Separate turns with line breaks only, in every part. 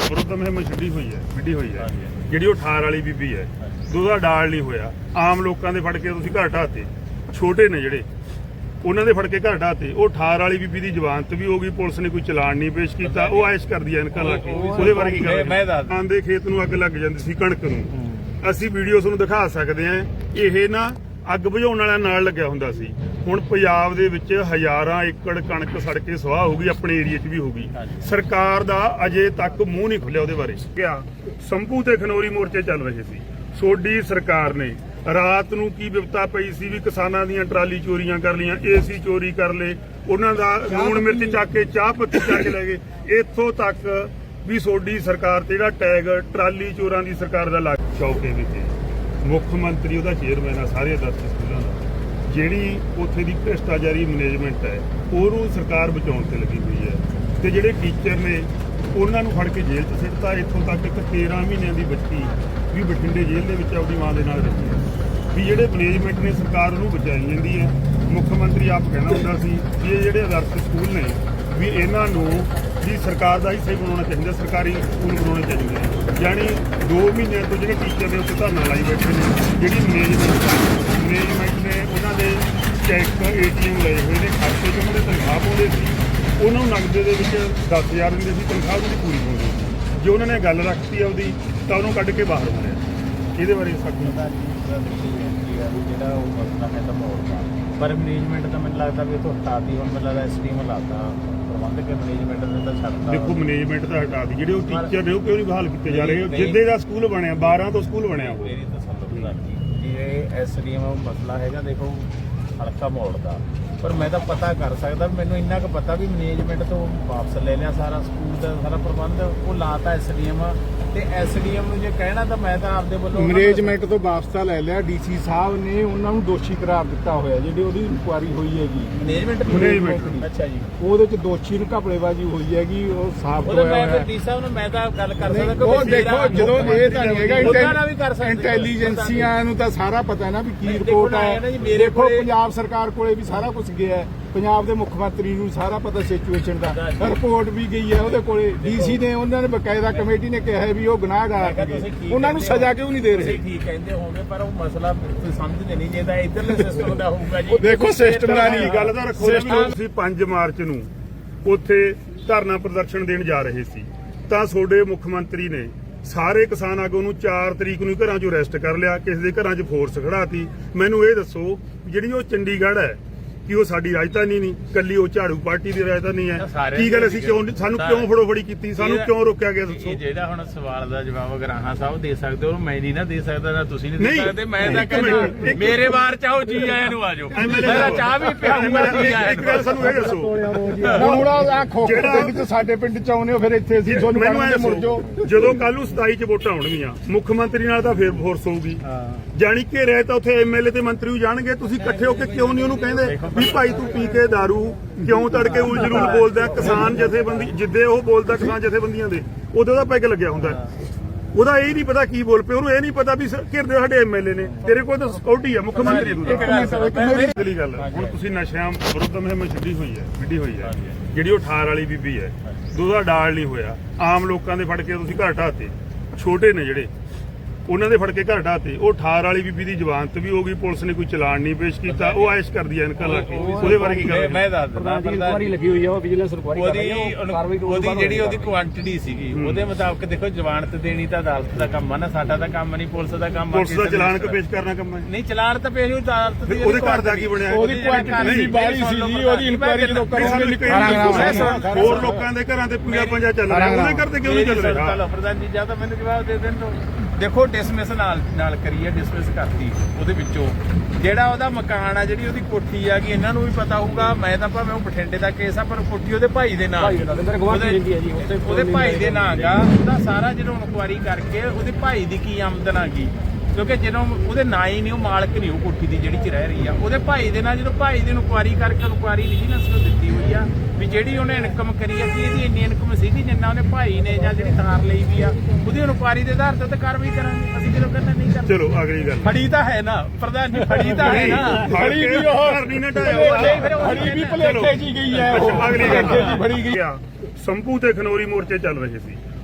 ਵਿਰੁੱਧ ਮੁਹਿੰਮ ਛੱਡੀ ਹੋਈ ਹੈ ਜਿਹੜੀ ਉਹ ਠਾਰ ਵਾਲੀ ਬੀਬੀ ਹੈ, ਉਹਦਾ ਡਾਲ ਨਹੀਂ ਹੋਇਆ। ਆਮ ਲੋਕਾਂ ਦੇ ਫੜ ਕੇ ਤੁਸੀਂ ਘਰ ਢਾਤੇ, ਛੋਟੇ ਨੇ ਜਿਹੜੇ ਉਹਨਾਂ ਦੇ ਫੜ ਕੇ ਘਰ ਢਾਤੇ। ਉਹ ਠਾਰ ਵਾਲੀ ਬੀਬੀ ਦੀ ਜ਼ਮਾਨਤ ਵੀ ਹੋ ਗਈ, ਪੁਲਿਸ ਨੇ ਕੋਈ ਚਲਾਨ ਨਹੀਂ ਪੇਸ਼ ਕੀਤਾ। ਉਹ ਆਇਸ਼ ਕਰਦੀ ਹੈ ਇਨਕਾਂ ਲਾ ਕੇ। ਉਹਦੇ ਬਾਰੇ ਕੀ ਗੱਲ? ਆਂਦੇ ਖੇਤ ਨੂੰ ਅੱਗ ਲੱਗ ਜਾਂਦੀ ਸੀ, ਕਣਕ ਨੂੰ। ਅਸੀਂ ਵੀਡੀਓ ਤੁਹਾਨੂੰ ਦਿਖਾ ਸਕਦੇ ਹਾਂ। ਇਹ ਨਾ ਅੱਗ ਬੁਝਾਉਣ ਵਾਲਾ ਨਾਲ ਲੱਗਿਆ ਹੁੰਦਾ ਸੀ। ਹੁਣ ਪੰਜਾਬ ਦੇ ਵਿੱਚ ਹਜ਼ਾਰਾਂ ਏਕੜ ਕਣਕ ਸੜ ਕੇ ਸਵਾਹ ਹੋ ਗਈ, ਆਪਣੇ ਏਰੀਏ 'ਚ ਵੀ ਹੋ ਗਈ। ਸਰਕਾਰ ਦਾ ਅਜੇ ਤੱਕ ਮੂੰਹ ਨਹੀਂ ਖੁੱਲਿਆ ਉਹਦੇ ਬਾਰੇ। ਕਿਹਾ ਸੰਭੂ ਤੇ ਖਨੌਰੀ ਮੋਰਚੇ ਚੱਲ ਰਹੇ ਸੀ। ਸੋਡੀ ਸਰਕਾਰ ਨੇ ਰਾਤ ਨੂੰ ਕੀ ਵਿਪਤਾ ਪਈ ਸੀ ਵੀ ਕਿਸਾਨਾਂ ਦੀਆਂ ਟਰਾਲੀ ਚੋਰੀਆਂ ਕਰ ਲਈਆਂ, ਏਸੀ ਚੋਰੀ ਕਰ ਲਏ, ਉਹਨਾਂ ਦਾ ਲੂਣ ਮਿਰਚ ਚੱਕ ਕੇ, ਚਾਹ ਪੱਤੀ ਚੱਕ ਕੇ ਲੈ ਗਏ। ਇੱਥੋਂ ਤੱਕ ਵੀ ਸੋਡੀ ਸਰਕਾਰ ਤੇ ਜਿਹੜਾ ਟੈਗ ਟਰਾਲੀ ਚੋਰਾਂ ਦੀ ਸਰਕਾਰ ਦਾ ਲੱਗ ਚੌਕੇ ਵਿੱਚ ਮੁੱਖ ਮੰਤਰੀ ਉਹਦਾ ਚੇਅਰਮੈਨ ਆ ਸਾਰੇ ਦਫ਼ਤਰ ਸਕੂਲਾਂ ਦਾ। ਜਿਹੜੀ ਉੱਥੇ ਦੀ ਭ੍ਰਿਸ਼ਟਾਚਾਰੀ ਮੈਨੇਜਮੈਂਟ ਹੈ ਉਹਨੂੰ ਸਰਕਾਰ ਬਚਾਉਣ ਤੇ ਲੱਗੀ ਹੋਈ ਹੈ। ਤੇ ਜਿਹੜੇ ਟੀਚਰ ਨੇ ਉਹਨਾਂ ਨੂੰ ਫੜ ਕੇ ਜੇਲ੍ਹ 'ਚ ਸਿੱਟਤਾ। ਇੱਥੋਂ ਤੱਕ ਇੱਕ 13 ਮਹੀਨਿਆਂ ਦੀ ਬੱਚੀ ਵੀ ਬਠਿੰਡੇ ਜੇਲ੍ਹ ਦੇ ਵਿੱਚ ਆਪਣੀ ਮਾਂ ਦੇ ਨਾਲ ਰਹੀ ਹੈ। ਵੀ ਜਿਹੜੇ ਮੈਨੇਜਮੈਂਟ ਨੇ ਸਰਕਾਰ ਉਹਨੂੰ ਬਚਾਈ ਜਾਂਦੀ ਹੈ। ਮੁੱਖ ਮੰਤਰੀ ਆਪ ਕਹਿਣਾ ਹੁੰਦਾ ਸੀ ਵੀ ਇਹ ਜਿਹੜੇ ਆਦਰਸ਼ ਸਕੂਲ ਨੇ ਵੀ ਇਹਨਾਂ ਨੂੰ ਵੀ ਸਰਕਾਰ ਦਾ ਹਿੱਸਾ ਹੀ ਬਣਾਉਣਾ ਚਾਹੀਦਾ, ਸਰਕਾਰੀ ਸਕੂਲ ਬਣਾਉਣੇ ਚਾਹੀਦੇ। ਯਾਨੀ 2 ਮਹੀਨਿਆਂ ਤੋਂ ਜਿਹੜੇ ਟੀਚਰ ਨੇ ਉੱਥੇ ਧਰਨਾ ਲਾਈ ਬੈਠੇ ਨੇ। ਜਿਹੜੀ ਮੈਨੇਜਮੈਂਟ ਨੇ ਉਹਨਾਂ ਦੇ ਚੈੱਕ ATM ਲਏ ਹੋਏ ਨੇ, ਖਾਤੇ 'ਚ ਉਹਨਾਂ ਦੇ ਤਨਖਾਹ ਪਾਉਂਦੇ ਸੀ। ਉਹਨਾਂ ਨੂੰ ਨਗਦੇ ਦੇ ਵਿੱਚ 10,000 ਦਿੰਦੇ ਸੀ, ਤਨਖਾਹ ਉਹਦੀ ਪੂਰੀ ਪਾਉਂਦੇ ਸੀ। ਜੇ ਉਹਨਾਂ ਨੇ ਗੱਲ ਰੱਖਤੀ ਆਪਦੀ ਤਾਂ ਉਹਨੂੰ ਕੱਢ ਕੇ ਬਾਹਰ ਮਾਰਿਆ। ਇਹਦੇ ਬਾਰੇ ਸਾਡੀ
ਜਿਹੜਾ ਉਹ ਮਸਲਾ ਹੈ ਤਾਂ ਮੋੜਦਾ, ਪਰ ਮੈਨੇਜਮੈਂਟ ਤਾਂ ਮੈਨੂੰ ਲੱਗਦਾ ਵੀ ਇੱਥੋਂ ਹਟਾਤੀ। ਹੁਣ ਮੈਨੂੰ ਲੱਗਦਾ SDM ਹਟਾਤਾ, ਪ੍ਰਬੰਧਕ ਮੈਨੇਜਮੈਂਟ ਨੇ ਤਾਂ ਛੱਡਤਾ।
ਦੇਖੋ ਮੈਨੇਜਮੈਂਟ ਤਾਂ ਹਟਾਤੀ, ਜਿਹੜੇ ਉਹ ਟੀਚਰ ਨੇ ਉਹ ਕਿਉਂ ਨਹੀਂ ਬਹਾਲ ਕੀਤੇ ਜਾ ਰਹੇ? ਜਿੱਦੇ ਦਾ ਸਕੂਲ ਬਣਿਆ 12 ਤੋਂ ਸਕੂਲ ਬਣਿਆ ਉਹ।
ਮੇਰੀ ਤਾਂ ਸੰਦਰਭ ਜੀ ਇਹ SDM ਮਸਲਾ ਹੈਗਾ, ਦੇਖੋ ਹਲਕਾ ਮੋੜਦਾ, ਪਰ ਮੈਂ ਤਾਂ ਪਤਾ ਕਰ ਸਕਦਾ। ਮੈਨੂੰ ਇੰਨਾ ਕੁ ਪਤਾ ਵੀ ਮੈਨੇਜਮੈਂਟ ਤੋਂ ਵਾਪਸ ਲੈ ਲਿਆ ਸਾਰਾ ਸਕੂਲ ਦਾ ਸਾਰਾ ਪ੍ਰਬੰਧ, ਉਹ ਲਾਤਾ SDM। ਤੇ SDM ਨੂੰ ਜੇ ਕਹਿਣਾ ਤਾਂ ਮੈਂ ਤਾਂ ਆਪਦੇ ਵੱਲੋਂ
ਮੈਨੇਜਮੈਂਟ ਤੋਂ ਵਾਪਸ ਤਾਂ ਲੈ ਲਿਆ। DC ਸਾਹਿਬ ਨੇ ਉਹਨਾਂ ਨੂੰ ਦੋਸ਼ੀ ਕਰਾਰ ਦਿੱਤਾ ਹੋਇਆ। ਜਿਹੜੀ ਉਹਦੀ ਇਨਕੁਆਇਰੀ ਹੋਈ ਹੈਗੀ
ਮੈਨੇਜਮੈਂਟ ਅੱਛਾ ਜੀ,
ਉਹਦੇ ਚ ਦੋਸ਼ੀ ਨੂੰ ਘਪਲੇਬਾਜ਼ੀ ਹੋਈ ਹੈਗੀ, ਉਹ ਸਾਫ਼ ਹੋਇਆ ਹੋਇਆ ਹੈ।
DC ਸਾਹਿਬ ਨੂੰ ਮੈਂ ਤਾਂ ਗੱਲ ਕਰ ਸਕਦਾ
ਉਹ ਦੇਖੋ ਜਦੋਂ ਇਹ ਤਾਂ ਨਹੀਂ
ਹੈਗਾ
ਇੰਟੈਲੀਜੈਂਸੀਆਂ ਨੂੰ ਤਾਂ ਸਾਰਾ ਪਤਾ ਨਾ ਵੀ ਕੀ ਰਿਪੋਰਟ ਹੈ। ਦੇਖੋ ਪੰਜਾਬ ਸਰਕਾਰ ਕੋਲੇ ਵੀ ਸਾਰਾ ਕੁਝ ਗਿਆ ਹੈ। ਪੰਜਾਬ ਦੇ ਮੁੱਖ ਮੰਤਰੀ ਨੂੰ ਸਾਰਾ ਪਤਾ ਸਿਚੁਏਸ਼ਨ ਦਾ, ਰਿਪੋਰਟ ਵੀ ਗਈ ਹੈ ਉਹਦੇ ਕੋਲੇ। DC ਨੇ ਉਹਨਾਂ ਨੇ ਬਕਾਇਦਾ ਕਮੇਟੀ ਨੇ ਕਿਹਾ ਵੀ ਉਹ ਗੁਨਾਹਗਾਰ ਹੈਗੇ, ਉਹਨਾਂ ਨੂੰ ਸਜ਼ਾ ਕਿਉਂ ਨਹੀਂ ਦੇ ਰਹੇ?
ਠੀਕ ਕਹਿੰਦੇ ਹੋਗੇ, ਪਰ ਉਹ ਮਸਲਾ ਸਮਝਦੇ ਨਹੀਂ। ਜੇ ਤਾਂ ਇਧਰਲੇ ਸਿਸਟਮ ਦਾ ਹੋਊਗਾ ਜੀ,
ਦੇਖੋ ਸਿਸਟਮ ਦਾ ਨਹੀਂ
ਗੱਲ ਤਾਂ ਰੱਖੋ। ਤੁਸੀਂ 5 ਮਾਰਚ ਨੂੰ ਉੱਥੇ ਧਰਨਾ ਪ੍ਰਦਰਸ਼ਨ ਦੇਣ ਜਾ ਰਹੇ ਸੀ ਤਾਂ ਤੁਹਾਡੇ ਮੁੱਖ ਮੰਤਰੀ ਨੇ ਸਾਰੇ ਕਿਸਾਨ ਆਗੂ ਨੂੰ 4 ਤਰੀਕ ਨੂੰ ਘਰਾਂ 'ਚੋਂ ਅਰੈਸਟ ਕਰ ਲਿਆ, ਕਿਸੇ ਦੇ ਘਰਾਂ 'ਚ ਫੋਰਸ ਖੜਾਤੀ। ਮੈਨੂੰ ਇਹ ਦੱਸੋ ਜਿਹੜੀ ਉਹ ਚੰਡੀਗੜ੍ਹ ਹੈ ਕਿ ਉਹ ਸਾਡੀ ਰਾਜਧਾਨੀ ਨਹੀਂ, ਕੱਲੀ ਉਹ ਝਾੜੂ ਪਾਰਟੀ ਦੀ ਰਾਜਧਾਨੀ ਹੈ? ਕੀ ਗੱਲ ਅਸੀਂ ਕਿਉਂ ਸਾਨੂੰ ਕਿਉਂ ਫੜੋਫੜੀ ਕੀਤੀ? ਸਾਨੂੰ ਕਿਉਂ ਰੋਕਿਆ ਗਿਆ ਦੱਸੋ?
ਜਿਹੜਾ ਹੁਣ ਸਵਾਲ ਦਾ ਜਵਾਬ ਗਰਾਹਾਂ ਸਾਹਿਬ ਦੇ ਸਕਦੇ ਹੋ, ਮੈਂ ਨਹੀਂ ਨਾ ਦੇ ਸਕਦਾ, ਨਾ ਤੁਸੀਂ ਨਹੀਂ ਦੇ ਸਕਦੇ। ਮੈਂ ਤਾਂ ਕਹਿੰਦਾ ਮੇਰੇ ਵਾਰ ਚਾਹੋ ਜੀ ਆਇਆਂ ਨੂੰ ਆਜੋ, ਮੇਰਾ ਚਾਹ ਵੀ ਪਿਆਊਗਾ ਜੀ ਆਇਆਂ।
ਇੱਕ ਗੱਲ ਸਾਨੂੰ ਇਹ ਦੱਸੋ,
ਹੁਣ ਆ ਖੋਖਰ ਪਿੰਡ ਚ ਸਾਡੇ ਪਿੰਡ ਚ ਆਉਨੇ ਹੋ, ਫਿਰ ਇੱਥੇ ਅਸੀਂ ਤੁਹਾਨੂੰ ਕਹਿੰਦੇ ਮੁੜ ਜਾਓ।
ਜਦੋਂ ਕੱਲ ਨੂੰ 27 ਚ ਵੋਟਾਂ ਆਉਣਗੀਆਂ, ਮੁੱਖ ਮੰਤਰੀ ਨਾਲ ਤਾਂ ਫੇਰ ਫੋਰਸ ਹੋਊਗੀ। ਜਾਣੀ ਕਿ ਰਹਿ ਤਾਂ ਉੱਥੇ MLA ਤੇ ਮੰਤਰੀ ਵੀ ਜਾਣਗੇ। ਤੁਸੀਂ ਇਕੱਠੇ ਹੋ ਕੇ ਕਿਉਂ ਨਹੀਂ ਉਹਨੂੰ ਕਹਿੰਦੇ ਵੀ ਭਾਈ ਤੂੰ ਪੀ ਕੇ ਦਾਰੂ ਕਿਉਂ ਤੜਕੇ ਉਲਝਲੂਲ ਬੋਲਦਾ? ਕਿਸਾਨ ਜਥੇਬੰਦੀ ਜਿੱਦੇ ਉਹ ਬੋਲਦਾ ਕਿਸਾਨ ਜਥੇਬੰਦੀਆਂ ਦੇ, ਉਦੋਂ ਦਾ ਪੈਗ ਲੱਗਿਆ ਹੁੰਦਾ। ਉਹਦਾ ਇਹ ਨਹੀਂ ਪਤਾ ਕੀ ਬੋਲ ਪਏ, ਉਹਨੂੰ ਇਹ ਨਹੀਂ ਪਤਾ ਵੀ ਘਿਰਦੇ ਸਾਡੇ MLA ਨੇ। ਤੇਰੇ ਕੋਲ ਤਾਂ ਸਿਕਿਉਰਿਟੀ ਆ, ਮੁੱਖ ਮੰਤਰੀ ਦੀ ਗੱਲ। ਹੁਣ ਤੁਸੀਂ ਨਸ਼ਿਆਂ ਵਿਰੁੱਧ ਮੁਹਿੰਮ ਛੱਡੀ ਹੋਈ ਹੈ ਜਿਹੜੀ ਉਹ ਠਾਰ ਵਾਲੀ ਬੀਬੀ ਹੈ, ਉਹਦਾ ਡਾਲ ਨਹੀਂ ਹੋਇਆ। ਆਮ ਲੋਕਾਂ ਦੇ ਫੜ ਕੇ ਤੁਸੀਂ ਘਰ ਢਾਤੇ, ਛੋਟੇ ਨੇ ਜਿਹੜੇ ਉਹਨਾਂ ਦੇ ਫੜ ਕੇ ਘਰ ਢਾਤੇ। ਉਹ ਠਾਰ ਵਾਲੀ ਬੀਬੀ ਦੀ ਜ਼ਮਾਨਤ ਵੀ ਹੋ ਗਈ, ਪੁਲਿਸ ਨੇ ਕੋਈ ਚਲਾਨ ਨਹੀਂ ਪੇਸ਼ ਕੀਤਾ। ਉਹ ਆਇਸ਼ ਕਰਦੀ ਹੈ ਇਨਕਾਂ ਲਾ ਕੇ। ਉਹਦੇ ਬਾਰੇ ਕੀ ਗੱਲ?
ਮੈਂ ਦੱਸ ਦਿੰਦਾ,
ਇਨਕੁਆਇਰੀ ਲੱਗੀ ਹੋਈ ਆ, ਉਹ ਵਿਜੀਲੈਂਸ ਇਨਕੁਆਇਰੀ ਕਰ ਰਹੀ ਹੈ।
ਉਹਦੀ ਜਿਹੜੀ ਉਹਦੀ ਕੁਆਂਟੀਟੀ ਸੀਗੀ ਉਹਦੇ ਮੁਤਾਬਕ ਦੇਖੋ ਜ਼ਮਾਨਤ ਦੇਣੀ ਤਾਂ ਅਦਾਲਤ ਦਾ ਕੰਮ ਆ ਨਾ, ਸਾਡਾ ਤਾਂ ਕੰਮ ਨਹੀਂ, ਪੁਲਿਸ ਦਾ ਕੰਮ ਆ।
ਪੁਲਿਸ ਦਾ ਚਲਾਨ ਪੇਸ਼ ਕਰਨਾ ਕੰਮ ਹੈ
ਨਹੀਂ, ਚਲਾਨ ਤਾਂ ਪੇਸ਼ ਅਦਾਲਤ ਦੀ।
ਉਹਦੇ ਘਰ ਦਾ ਕੀ ਬਣਿਆ?
ਉਹਦੀ ਕੁਆਂਟੀਟੀ ਬਾਹਲੀ ਸੀ ਜੀ, ਉਹਦੀ ਇਨਕੁਆਇਰੀ ਜਦੋਂ ਕਰੋਗੇ
ਹੋਰ ਲੋਕਾਂ ਦੇ ਘਰਾਂ ਤੇ ਪੂਜਾ ਪੰਜਾ ਚੱਲ ਰਿਹਾ, ਉਹਦੇ ਘਰ ਤੇ ਕਿਉਂ ਨਹੀਂ ਚੱਲ ਰਿਹਾ?
ਪ੍ਰਧਾਨ ਜੀ ਜਾਂ ਤਾਂ ਮੈਨੂੰ ਜਵਾਬ ਦੇ ਦੇਣ ਦਿਓ। ਦੇਖੋ ਡਿਸਮਿਸ ਨਾਲ ਕਰੀਏ, ਡਿਸਮਿਸ ਕਰਤੀ ਉਹਦੇ ਵਿੱਚੋਂ ਜਿਹੜਾ ਉਹਦਾ ਮਕਾਨ ਆ, ਜਿਹੜੀ ਉਹਦੀ ਕੋਠੀ ਆ, ਕਿ ਇਹਨਾਂ ਨੂੰ ਵੀ ਪਤਾ ਹੋਊਗਾ। ਮੈਂ ਤਾਂ ਭਾਵੇਂ ਉਹ ਬਠਿੰਡੇ ਦਾ ਕੇਸ ਆ, ਪਰ ਕੋਠੀ ਉਹਦੇ ਭਾਈ ਦੇ ਨਾਂ, ਉਹਦੇ ਭਾਈ ਦੇ ਨਾਂ ਗਾ। ਉਹਦਾ ਸਾਰਾ ਜਦੋਂ ਇਨਕੁਆਇਰੀ ਕਰਕੇ ਉਹਦੇ ਭਾਈ ਦੀ ਕੀ ਆਮਦਨ ਆ ਗਈ, ਕਿਉਂਕਿ ਜਦੋਂ ਉਹਦੇ ਨਾਂ ਹੀ ਨਹੀਂ, ਉਹ ਮਾਲਕ ਨਹੀਂ ਉਹ ਕੋਠੀ ਦੀ ਜਿਹੜੀ 'ਚ ਰਹਿ ਰਹੀ ਆ, ਉਹਦੇ ਭਾਈ ਦੇ ਨਾਲ। ਜਦੋਂ ਭਾਈ ਦੀ ਇਨਕੁਆਇਰੀ ਕਰਕੇ ਇਨਕੁਆਇਰੀ ਵਿਜੀਲੈਂਸ ਨੂੰ ਦਿੱਤੀ ਹੋਈ ਆ ਵੀ ਜਿਹੜੀ ਉਹਨੇ ਇਨਕਮ ਕਰੀ ਆ, ਕਿ ਇਹਦੀ ਇੰਨੀ ਇਨਕਮ ਸੀਗੀ ਜਿੰਨਾ ਉਹਨੇ ਭਾਈ ਨੇ ਜਾਂ ਜਿਹੜੀ ਥਾਰ ਲਈ ਵੀ ਆ, ਉਹਦੀ ਇਨਕੁਆਇਰੀ ਦੇ ਆਧਾਰ ਤੇ ਕਾਰਵਾਈ ਕਰਾਂਗੇ। ਅਸੀਂ ਕਿਉਂ ਕਹਿੰਦੇ ਨਹੀਂ ਕਰਦੇ?
ਚਲੋ ਅਗਲੀ ਗੱਲ,
ਫੜੀ ਤਾਂ ਹੈ ਨਾ ਪ੍ਰਧਾਨ ਜੀ, ਫੜੀ ਤਾਂ ਹੈ ਨਾ।
ਫੜੀ ਵੀ ਉਹ ਕਰਨੀ ਨਾ
ਫੜੀ ਵੀ ਭਲੇਖੇ ਜੀ ਗਈ ਹੈ।
ਅਗਲੀ ਗੱਲ ਫੜੀ ਗਈ। ਸੰਭੂ ਤੇ ਖਨੌਰੀ ਮੋਰਚੇ ਚੱਲ ਰਹੇ ਸੀ।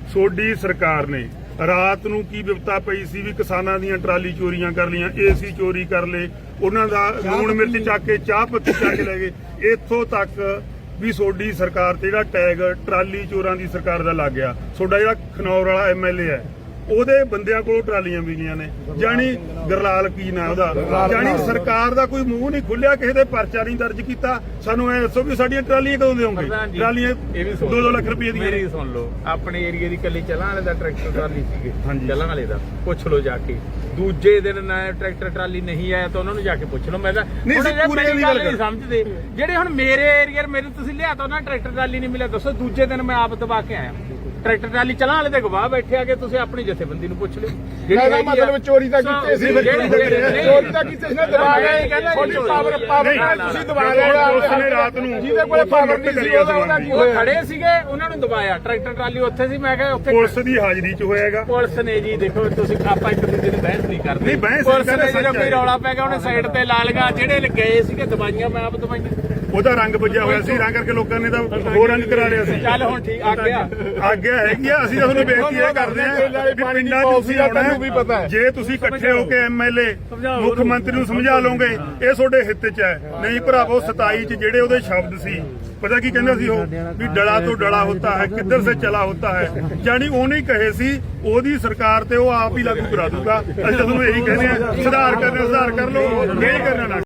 ਸੋਡੀ ਸਰਕਾਰ ਨੇ ਰਾਤ ਨੂੰ ਕੀ ਵਿਪਤਾ ਪਈ ਸੀ ਵੀ ਕਿਸਾਨਾਂ ਦੀਆਂ ਟਰਾਲੀ ਚੋਰੀਆਂ ਕਰ ਲਈਆਂ, ਏਸੀ ਚੋਰੀ ਕਰ ਲਏ, ਉਹਨਾਂ ਦਾ ਲੂਣ ਮਿਰਚ ਚੱਕ ਕੇ ਚਾਹ ਪੱਤੀ ਚੱਕ ਕੇ ਲੈ ਗਏ। ਇੱਥੋਂ ਤੱਕ ਵੀ ਸੋਡੀ ਸਰਕਾਰ ਤੇ ਜਿਹੜਾ ਟੈਗ ਟਰਾਲੀ ਚੋਰਾਂ ਦੀ ਸਰਕਾਰ ਦਾ ਲੱਗ ਗਿਆ। ਸੋਡਾ ਜਿਹੜਾ ਖਨੌਰ ਵਾਲਾ ਐਮਐਲਏ ਹੈ ਉਹਦੇ ਬੰਦਿਆਂ ਕੋਲ ਟਰਾਲੀਆਂ ਵੀ ਗਈਆਂ ਨੇ, ਜਾਣੀ ਗਰਲਾਲ ਕੀ ਨਾ ਉਹਦਾ, ਜਾਣੀ ਸਰਕਾਰ ਦਾ ਕੋਈ ਮੂੰਹ ਨਹੀਂ ਖੁੱਲਿਆ, ਕਿਸੇ ਦੇ ਪਰਚਾ ਨਹੀਂ ਦਰਜ ਕੀਤਾ। ਸਾਨੂੰ ਐ ਦੱਸੋ ਵੀ ਸਾਡੀਆਂ ਟਰਾਲੀਆਂ ਕਦੋਂ ਦੇਵੋਗੇ? ਟਰਾਲੀਆਂ 2-2 ਲੱਖ ਰੁਪਏ ਦੀਆਂ।
ਮੇਰੀ ਸੁਣ ਲਓ, ਆਪਣੇ ਏਰੀਏ ਦੀ ਕੱਲੀ ਚਲਾਂ ਵਾਲੇ ਦਾ ਟਰੈਕਟਰ ਟਰਾਲੀ ਸੀਗੇ,
ਹਾਂਜੀ।
ਚਲਾਂ ਵਾਲੇ ਦਾ ਪੁੱਛ ਲਓ ਜਾ ਕੇ। ਦੂਜੇ ਦਿਨ ਨਾ ਟਰੈਕਟਰ ਟਰਾਲੀ ਨਹੀਂ ਆਇਆ ਤਾਂ ਉਹਨਾਂ ਨੂੰ ਜਾ ਕੇ ਪੁੱਛ ਲਓ। ਮੈਂ ਤਾਂ
ਨਹੀਂ,
ਹੁਣ ਇਹ
ਪੂਰੇ
ਮੇਰੀ
ਦੀ
ਗੱਲ
ਗੱਲ
ਨਹੀਂ ਸਮਝਦੇ ਜਿਹੜੇ ਹੁਣ ਮੇਰੇ ਏਰੀਏ ਮੇਰੇ ਤੁਸੀਂ ਲਿਆ ਤਾਂ ਉਹਨਾਂ ਟਰੈਕਟਰ ਟਰਾਲੀ ਨਹੀਂ ਮਿਲਿਆ। ਦੱਸੋ ਦੂਜੇ ਦਿਨ ਮੈਂ ਆਪ ਦਬਾ ਕੇ ਆਇਆ ਟਰੈਕਟਰ ਟਰਾਲੀ ਚਲਾਂ ਵਾਲੇ ਦੇ ਗਵਾਹ ਬੈਠੇ ਆ ਕੇ, ਤੁਸੀਂ ਆਪਣੀ ਜਥੇਬੰਦੀ ਨੂੰ ਪੁੱਛ ਲਿਓ।
ਇਹਦਾ ਮਤਲਬ ਚੋਰੀ ਤਾਂ ਕੀਤੇ ਸੀ, ਚੋਰੀ ਤਾਂ ਕੀਤੇ ਸੀ ਨਾ, ਦਬਾ ਗਏ। ਤੁਹਾਡੀ ਪਾਵਰ ਨਾਲ ਤੁਸੀਂ ਦਬਾ ਲਿਆ।
ਉਸਨੇ ਰਾਤ ਨੂੰ
ਜਿਹਦੇ ਕੋਲ ਪਾਵਰ ਨਹੀਂ ਸੀ ਉਹਦਾ ਕੀ
ਉਹ
ਹੋਇਆ?
ਖੜੇ ਸੀਗੇ, ਉਹਨਾਂ ਨੂੰ ਦਬਾਇਆ। ਟਰੈਕਟਰ ਟਰਾਲੀ ਉੱਥੇ ਸੀ, ਮੈਂ ਕਿਹਾ ਉੱਥੇ
ਪੁਲਿਸ ਦੀ ਹਾਜ਼ਰੀ 'ਚ ਹੋਏਗਾ।
ਪੁਲਿਸ ਨੇ ਜੀ ਦੇਖੋ, ਤੁਸੀਂ ਆਪਾਂ ਇੱਕ ਦੂਜੇ ਦੀ ਬਹਿਸ ਨਹੀਂ ਕਰਦੇ।
ਨਹੀਂ, ਬਹਿਸ
ਪੁਲਿਸ
ਨਹੀਂ
ਨੇ
ਕਰਦੇ,
ਜਦੋਂ ਕੋਈ
ਸੱਚ ਹੈ।
ਰੌਲਾ ਪੈ ਗਿਆ ਉਹਨੇ ਸਾਈਡ ਤੇ ਲਾ ਲਗਾ। ਜਿਹੜੇ ਗਏ ਸੀਗੇ ਦਵਾਈਆਂ ਮੈਂ ਆਪ ਦਵਾਈਆਂ
ਉਹਦਾ ਰੰਗ ਵੱਜਿਆ ਹੋਇਆ ਸੀ, ਰੰਗ ਕਰਕੇ ਲੋਕਾਂ ਨੇ ਤਾਂ ਹੋਰ ਰੰਗ ਕਰਾ ਲਿਆ ਸੀ।
ਚੱਲ ਹੁਣ ਠੀਕ ਆ ਗਿਆ।
ਆਗਿਆ ਹੈਗੀ ਆ। ਅਸੀਂ ਤਾਂ ਤੁਹਾਨੂੰ ਬੇਨਤੀ ਇਹ ਕਰਦੇ ਆ ਵੀ ਪਿੰਡਾਂ 'ਚ ਤੁਸੀਂ ਆਉਣਾ, ਜੇ ਤੁਸੀਂ ਇਕੱਠੇ ਹੋ ਕੇ ਐਮਐਲਏ ਮੁੱਖ ਮੰਤਰੀ ਨੂੰ ਸਮਝਾ ਲਓਗੇ ਇਹ ਤੁਹਾਡੇ ਹਿੱਤ 'ਚ ਹੈ। ਨਹੀਂ ਭਰਾਵੋ, 27 'ਚ ਜਿਹੜੇ ਉਹਦੇ ਸ਼ਬਦ ਸੀ, ਪਤਾ ਕੀ ਕਹਿੰਦਾ ਸੀ ਉਹ ਵੀ ਡਲਾ ਤੋਂ ਡਲਾ ਹੋਤਾ ਹੈ, ਕਿੱਧਰ ਸੇ ਚਲਾ ਹੋਤਾ ਹੈ, ਜਾਨੀ ਉਹਨੇ ਕਹੇ ਸੀ ਉਹਦੀ ਸਰਕਾਰ ਤੇ ਉਹ ਆਪ ਹੀ ਲਾਗੂ ਕਰਾ ਦੂਗਾ। ਅਸੀਂ ਤਾਂ ਤੁਹਾਨੂੰ ਇਹੀ ਕਹਿੰਦੇ ਆ, ਸੁਧਾਰ ਕਰਨਾ ਸੁਧਾਰ ਕਰ ਲਓ, ਨਹੀਂ ਕਰਨਾ ਨਾ